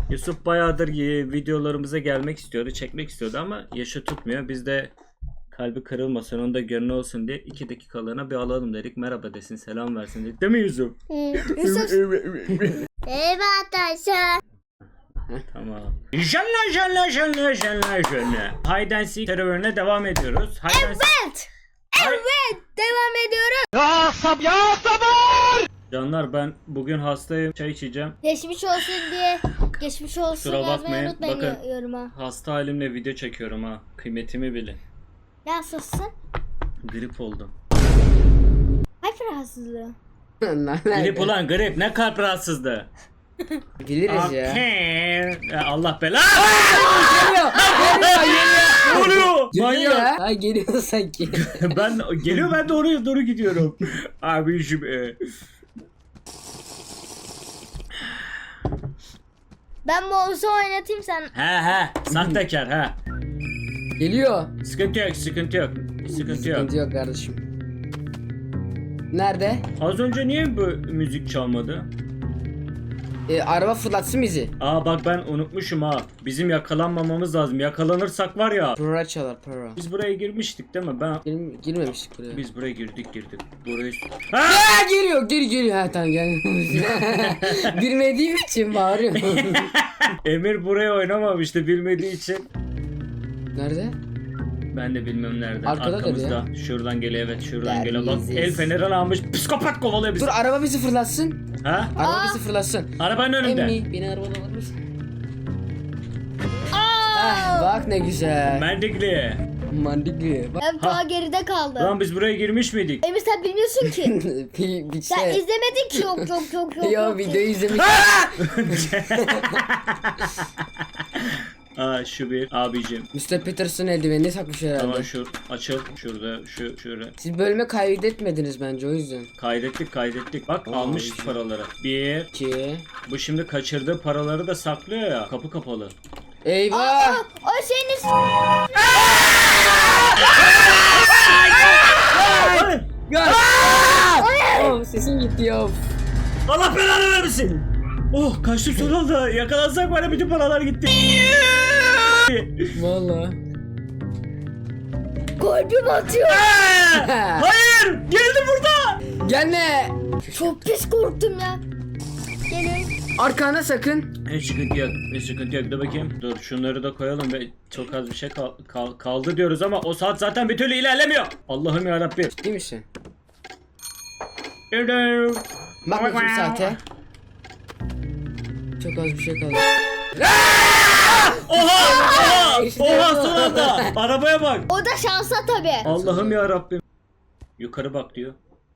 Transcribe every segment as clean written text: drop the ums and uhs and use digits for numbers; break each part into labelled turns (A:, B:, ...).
A: Yusuf bayağıdır videolarımıza gelmek istiyordu, çekmek istiyordu ama yaşı tutmuyor. Biz de kalbi kırılmasın, onun da gönlü olsun diye 2 dakikalığına bir alalım dedik. Merhaba desin, selam versin dedik. Değil mi Yusuf?
B: Yusuf. Evet arkadaşlar.
A: Tamam. Jalla. Hide and Seek serverine devam ediyoruz.
B: Evet. Evet. Devam ediyoruz.
A: Canlar, ben bugün hastayım. Çay içeceğim.
B: Geçmiş olsun diye. Geçmiş olsun
A: Kusura
B: yazmayı
A: bakmayın.
B: unutmayın
A: Bakın.
B: yoruma.
A: Hasta halimle video çekiyorum ha. Kıymetimi bilin.
B: Nasılsın?
A: Grip oldum.
B: Kalp rahatsızlığı.
A: Grip ulan grip. Ne kalp rahatsızlığı.
C: Biliriz ya.
A: Ya Allah bela.
C: Geliyor.
A: Ne oluyor?
C: Geliyor
A: Manyak.
C: ya. Ha, geliyor sanki.
A: Ben geliyor, ben de oraya doğru gidiyorum. Abi
B: Ben mouse'u oynatayım sen.
A: he sahtekar he.
C: Geliyor.
A: Sıkıntı yok. Sıkıntı yok
C: Sıkıntı yok kardeşim. Nerede?
A: Az önce niye bu müzik çalmadı?
C: Araba fırlatsın bizi.
A: Aa bak, ben unutmuşum ha. Bizim yakalanmamamız lazım. Yakalanırsak var ya.
C: Para çalar para.
A: Biz buraya girmiştik değil mi?
C: Girmemiştik buraya.
A: Biz buraya girdik. Burayı...
C: Aa, geliyor. Ha tamam gel. Bilmediğim için bağırıyorum.
A: Emir buraya oynamamıştı bilmediği için.
C: Nerede?
A: Ben de bilmem nerede.
C: Arkada
A: Arkamızda. Şuradan geliyor, evet şuradan geliyor. Bak,
C: Terbiyesiz.
A: el fenerini almış. Psikopat kovalıyor bizi.
C: Dur araba bizi fırlatsın.
A: Ha?
C: Araba bizi fırlatsın.
A: Arabanın önünde.
C: Emmi beni arabadan alır mısın? Bak ne güzel.
A: Mendikli.
C: Mantıklı. Bak.
B: Ben daha geride kaldım.
A: Lan biz buraya girmiş miydik?
B: Emir sen bilmiyorsun ki.
C: bir
B: Sen
C: şey.
B: izlemedin ki yok.
C: Yo videoyu izlemiş.
A: Aa şu bir abicim.
C: Mr. Peterson eldivenini takmış herhalde.
A: Tamam şu açıl şurada şöyle.
C: Siz bölüme kaydetmediniz bence o yüzden.
A: Kaydettik. Bak
C: Oo,
A: almışız
C: güzel.
A: paraları. 1.
C: 2.
A: Bu şimdi kaçırdığı paraları da saklıyor ya. Kapı kapalı.
C: Eyvah!
B: O şeyin ismi.
C: Gel! Oh, sesim gitti ya.
A: Allah belanı vermesin. Oh, kaçtım son anda. Yakalansak bana bütün paralar gitti.
C: Valla.
B: Kalbim atıyor.
A: Hayır! Geldi burada!
C: Gelme!
B: Çok pis korktum ya. Gelin.
C: Arkana sakın.
A: Hiç sıkıntı yok. Dur bakayım. Dur şunları da koyalım ve çok az bir şey kaldı diyoruz ama o saat zaten bir türlü ilerlemiyor. Allah'ım yarabbim.
C: Ciddi misin? Bak bakayım saate. Çok az bir şey kaldı.
A: Oha!
C: İşte
A: Oha
C: bu.
A: son anda! Arabaya bak.
B: O da şansa tabii.
A: Allah'ım yarabbim. Yukarı bak diyor.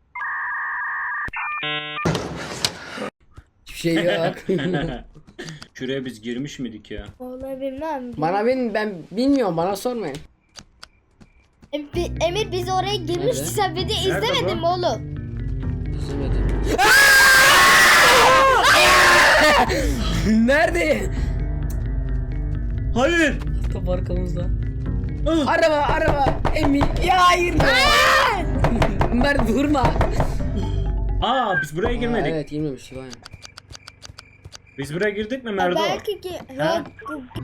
C: Hiçbir şey yok.
A: Şuraya biz girmiş miydik ya?
B: Vallahi bilmem.
C: Ben bilmiyorum, bana sormayın.
B: Emir biz oraya girmiştik,
C: Nerede?
B: sen video
A: Nerede
B: izlemedin
A: bu?
B: mi oğlum?
C: İzlemedim. Nerede?
A: Hayır.
C: Top arkamızda.
A: Ah!
C: Araba. Emin. Ya hayır ya. Mert vurma.
A: Aa biz buraya girmedik.
C: Evet girmemiştik aynen.
A: Biz buraya girdik mi Merdo?
B: Belki ki
A: Ha?
B: yok.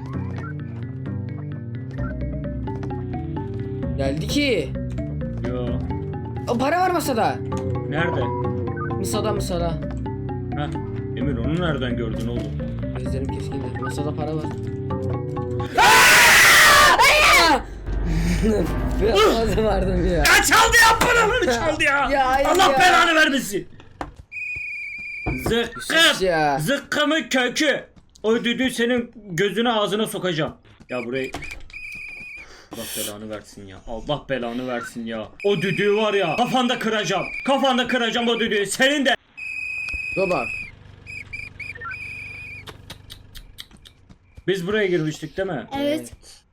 C: Geldi ki.
A: Yo.
C: O para var masada.
A: Nerede?
C: Masada.
A: Heh. Emir onu nereden gördün oğlum?
C: Gözlerim keskin. Masada para var. Biraz fazla vardım ya.
A: Ya çaldı ya, paraları çaldı ya.
C: Ya hayır
A: Allah
C: ya.
A: belanı vermesin.
C: Sus
A: Zıkkım.
C: ya.
A: Zıkkımın kökü. O düdüğü senin gözüne ağzına sokacağım. Ya burayı... Allah belanı versin ya. Allah belanı versin ya. O düdüğü var ya. Kafanda kıracağım o düdüğü. Senin de.
C: Dur bak.
A: Biz buraya girmiştik değil mi?
B: Evet.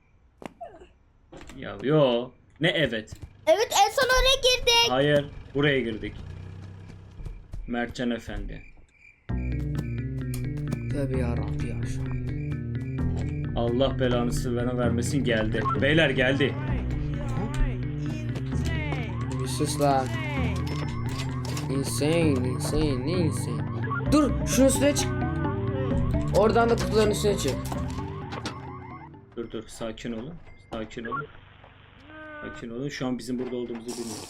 A: Ya yo. Ne evet.
B: Evet en son oraya girdik.
A: Hayır. Buraya girdik. Mertcan Efendi.
C: Tabii yarabbi ya.
A: Allah belanı bana vermesin, geldi. Beyler geldi.
C: Bir sus lan. Insane. Ne insane? Dur şunun üstüne çık. Oradan da kutuların üstüne çık.
A: Dur sakin olun. Sakin olun. Sakin olun. Şu an bizim burada olduğumuzu bilmiyorum.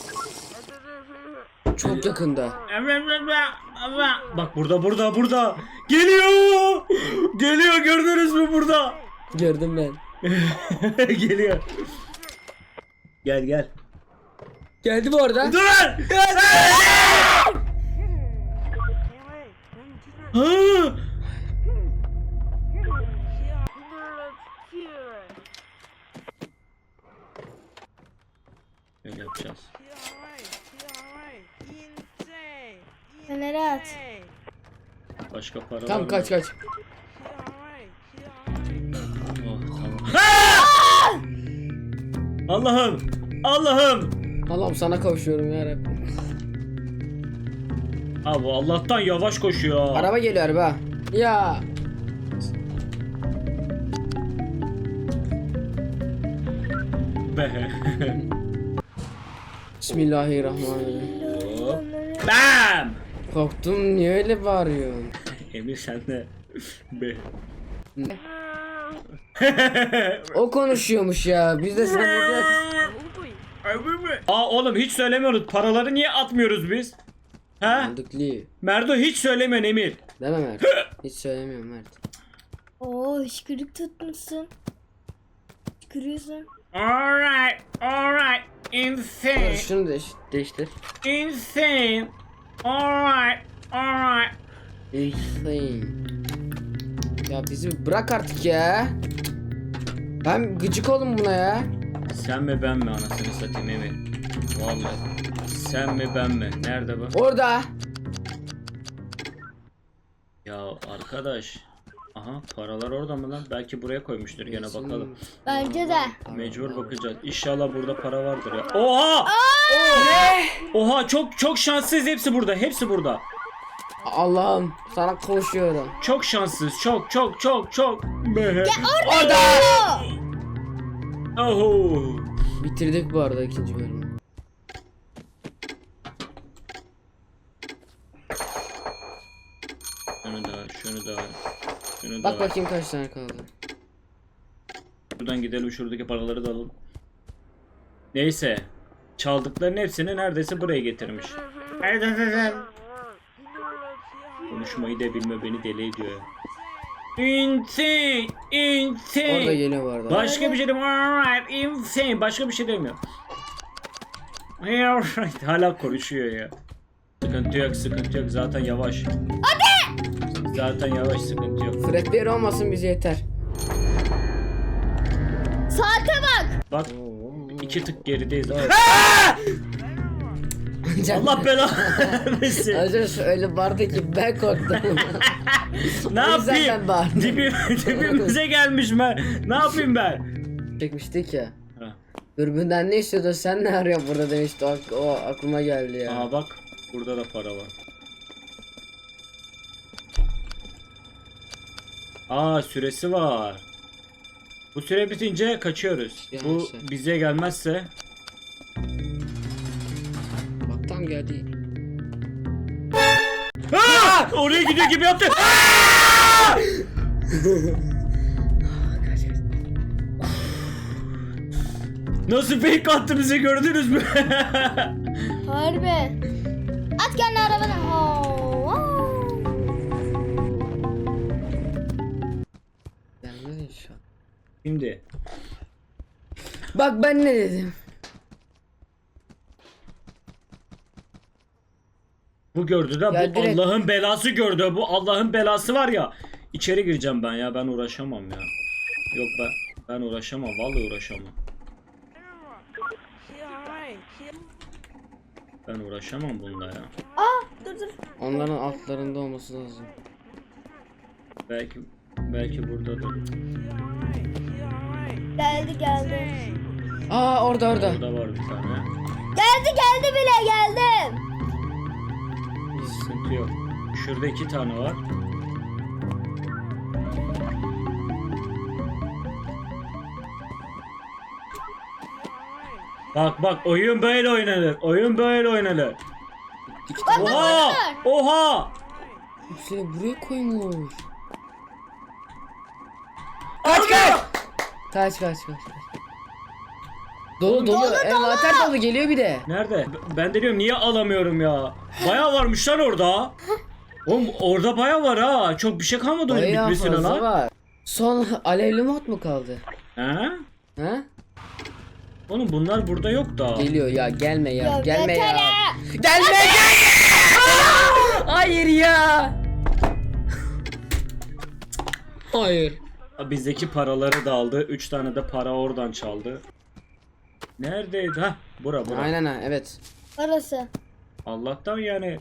C: Çok yakında.
A: Bak burada. Geliyor. Geliyor, gördünüz mü burada?
C: Gördüm ben.
A: Geliyor. Gel.
C: Geldi bu arada.
A: Dur! Ha! Öyle yapacağız.
B: Fener'e at.
A: Başka para var
C: Tamam
A: mı?
C: kaç.
A: Oh, tamam. Allah'ım!
C: Allah'ım sana kavuşuyorum ya Rabbim.
A: Abi Allah'tan yavaş koşuyor.
C: Araba geliyor araba. Ya.
A: Be.
C: Bismillahirrahmanirrahim.
A: Hop. Bam!
C: Korktum, niye öyle bağırıyorsun?
A: Emir sen de. Be.
C: O konuşuyormuş ya. Biz de sen burada.
A: Aa oğlum hiç söylemiyoruz. Paraları niye atmıyoruz biz? He?
C: Mantıklı.
A: Merdo hiç söylemiyorsun Emir.
C: Deme Mert. Hiç söylemiyorum Mert.
B: Oo hışkırık tutmuşsun. Hışkırıyorsun.
A: Alright. Insane.
C: Şunu değiştir.
A: Insane. Alright.
C: Insane. Ya bizi bırak artık ya. Ben gıcık oldum buna ya.
A: Sen mi ben mi anasını satayım Emir? Vallahi. Sen mi ben mi? Nerede bu?
C: Orada.
A: Ya arkadaş. Aha paralar orada mı lan? Belki buraya koymuştur gene bakalım.
B: Bence de.
A: Mecbur bakacağız. İnşallah burada para vardır ya. Oha!
C: Ne?
A: Oha çok şanssız hepsi burada. Hepsi burada.
C: Allah'ım sana kavuşuyorum.
A: Çok şanssız. Çok. Be.
C: Orada.
A: Oho.
C: Bitirdik bu arada ikinci bölümü.
A: Şunu da.
C: Bak bakayım kaç tane kaldı.
A: Buradan gidelim, şuradaki paraları da alalım. Neyse. Çaldıkların hepsini neredeyse buraya getirmiş. Konuşmayı da bilme beni deli ediyor ya. Insane.
C: Orada geliyor bu arada.
A: Başka bir şey demiyorum. Alright, insane. Başka bir şey demiyorum. Alright. Hala konuşuyor ya. Sıkıntı yok. Zaten yavaş. Zaten yavaş, sıkıntı yok.
C: Fredbear olmasın bize yeter.
B: Saate bak.
A: Bak. 2 tık gerideyiz. Allah
C: Allah
A: belanı vermesin.
C: Acaba öyle vardı ki ben korktum.
A: Ne
C: O yüzden ben
A: yapayım?
C: bağırdım.
A: Dibimize gelmiş ben. Ne yapayım ben?
C: Çekmiştik ya.
A: Ha.
C: Dürbünden ne istiyordun sen ne arıyorsun burada demişti. O aklıma geldi ya.
A: Aa bak. Burada da para var. Aa süresi var. Bu süre bitince kaçıyoruz. Bu
C: Yanlış.
A: bize gelmezse.
C: Bak tam geldi.
A: Aa! Oraya gidiyor gibi yaptı. Aa! Nasıl fake attı bize, gördünüz mü?
B: Harbi. At kendi arabana. Oo.
C: Gelmez inşallah.
A: Şimdi
C: Bak ben ne dedim.
A: bu gördü de
C: Ya
A: bu
C: direkt-
A: Allah'ın belası gördü. Bu Allah'ın belası var ya. İçeri gireceğim ben ya. Ben uğraşamam ya. Yok ben uğraşamam. Vallahi uğraşamam. Ben uğraşamam bununla ya.
B: Aa dur.
C: Onların altlarında olması lazım.
A: Belki buradadır.
B: Geldi.
C: Aa orada.
A: Burada var bir tane.
B: Geldi bile geldim.
A: Sıkıntı yok. Şurada 2 tane var. Bak oyun böyle oynanır. Oyun böyle oynanır. Oha! Oha!
C: Hepsini buraya koymuş. Kaç. Dolu. Envanter dolu geliyor bir de.
A: Nerede? Ben de diyorum niye alamıyorum ya? Bayağı varmış lan orada. Oğlum orada bayağı var ha. Çok bir şey kalmadı onun
C: Bayağı
A: bitmesine
C: fazla
A: lan.
C: var. Son alevli mod mu kaldı?
A: He?
C: Ha?
A: Oğlum bunlar burada yok da.
C: Geliyor ya, gelme ya,
B: Ya
C: gelme
B: yeter
C: ya.
B: ha.
C: Gelme. Hayır ya. Hayır.
A: Bizdeki paraları da aldı. 3 tane de para oradan çaldı. Neredeydi? Hah bura.
C: Aynen ha, evet.
B: Orası.
A: Allah'tan yani.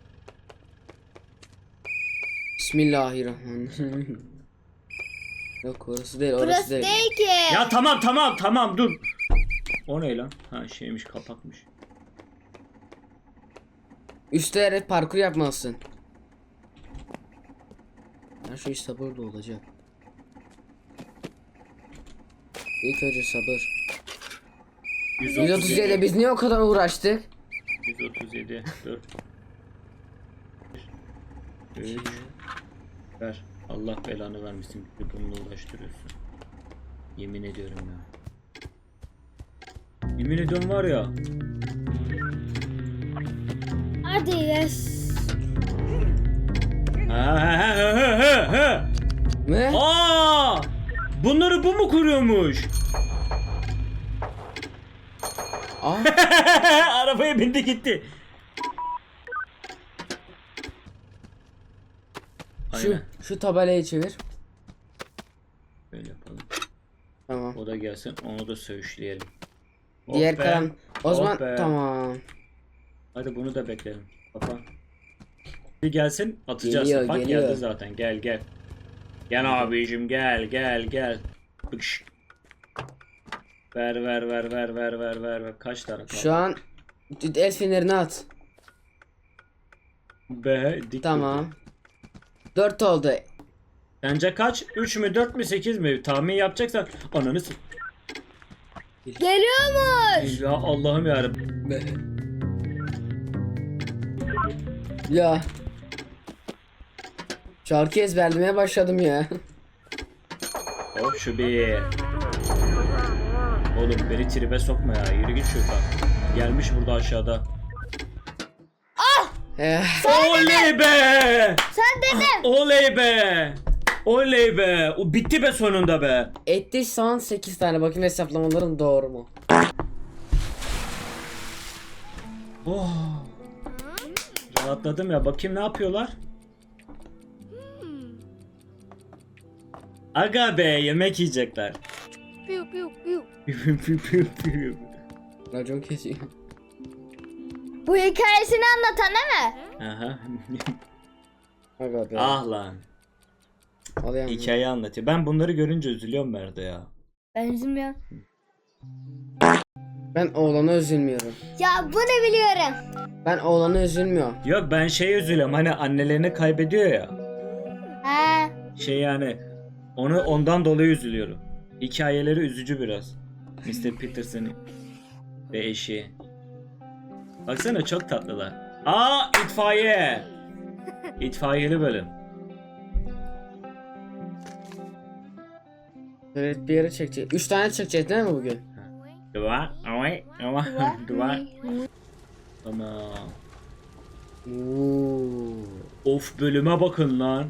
C: Bismillahirrahmanirrahim. Yok orası değil, orası
B: Burası
C: değil.
B: değil ki.
A: Ya tamam dur. O ne lan? Ha şeymiş kapakmış.
C: Üstte evet parkur yapmalısın. Her şey sabırla olacak. İlk önce sabır. 137 biz niye o kadar uğraştık?
A: 137 4 3 Ver. Allah belanı vermesin. Bir bununla uğraştırıyorsun. Yemin ediyorum ya. Yemin ediyorum var ya.
B: Hadi yes.
A: Ha.
C: Ne?
A: Aa! Bunları bu mu kuruyormuş?
C: Aa,
A: Arabaya bindi gitti. Aynen.
C: şu tabelayı çevir.
A: Böyle yapalım.
C: Tamam.
A: O da gelsin, onu da söğüşleyelim.
C: Diğer
A: Oh be.
C: kalan. O
A: Oh
C: zaman
A: be.
C: tamam.
A: Hadi bunu da bekleyelim. Kapa. Bir gelsin, atacağız.
C: Geliyor,
A: Bak
C: geliyor.
A: geldi zaten. Gel. Gel abicim gel. Bıkş. Ver. Kaç tane kaldı?
C: Şu an el fenerini at.
A: Be dik
C: Tamam.
A: durdu.
C: 4 oldu.
A: Bence kaç? 3 mü 4 mü 8 mi? Tahmin yapacaksan ananı
B: Geliyormuş.
A: Ya Allah'ım yarabbim.
C: Ya. Şarkı ezberlemeye başladım ya.
A: Hop şu bir. Oğlum beni tribe sokma ya. Yürü git şuradan. Gelmiş burada aşağıda. Oley be!
B: Sen dedin.
A: Oley be! O bitti be sonunda be.
C: Etti son 8 tane. Bakayım hesaplamalarım doğru mu?
A: Oh. Rahatladım ya. Bakayım ne yapıyorlar? Aga be yemek yiyecekler.
B: Piu piu piu.
C: Racon kesiyor.
B: Bu hikayesini anlatan değil mi?
A: Aha.
C: Aga be.
A: Ah lan.
C: Alayım.
A: Hikaye anlatıyor. Ben bunları görünce üzülüyorum Merdo ya.
B: Benzim ya.
C: Ben oğlana üzülmüyorum.
B: Ya bunu biliyorum.
C: Ben oğlana üzülmüyorum.
A: Yok ben üzülüyorum. Hani annelerini kaybediyor ya.
B: Ha.
A: Yani ondan dolayı üzülüyorum. Hikayeleri üzücü biraz. Mr. Peterson ve eşi. Baksana çok tatlılar. Aa itfaiye. İtfaiyeli bölüm.
C: Evet bir yere çekecek. 3 tane çekecek değil mi bugün?
A: Dua. Dua. Tamam. Of bölüme bakın lan.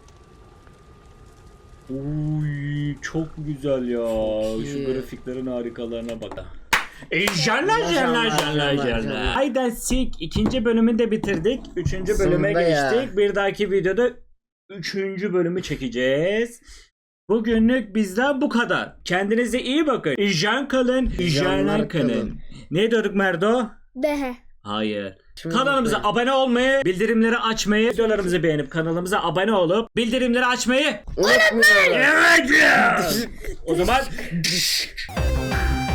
A: Uy çok güzel ya.
C: Çok iyi.
A: Şu grafiklerin harikalarına bak.
C: Canlar.
A: Hide and Seek ikinci bölümünü de bitirdik. Üçüncü bölüme
C: Sonunda ya.
A: geçtik. Bir dahaki videoda üçüncü bölümü çekeceğiz. Bugünlük bizden bu kadar. Kendinize iyi bakın. İjan kalın. İjanlar kalın. Ne diyorduk Merdo?
B: Dehe.
A: Hayır.
C: Şimdi
A: Kanalımıza
C: bakayım.
A: abone olmayı, bildirimleri açmayı, videolarımızı beğenip kanalımıza abone olup bildirimleri açmayı
C: Unutmuyorum.
A: Evet. O zaman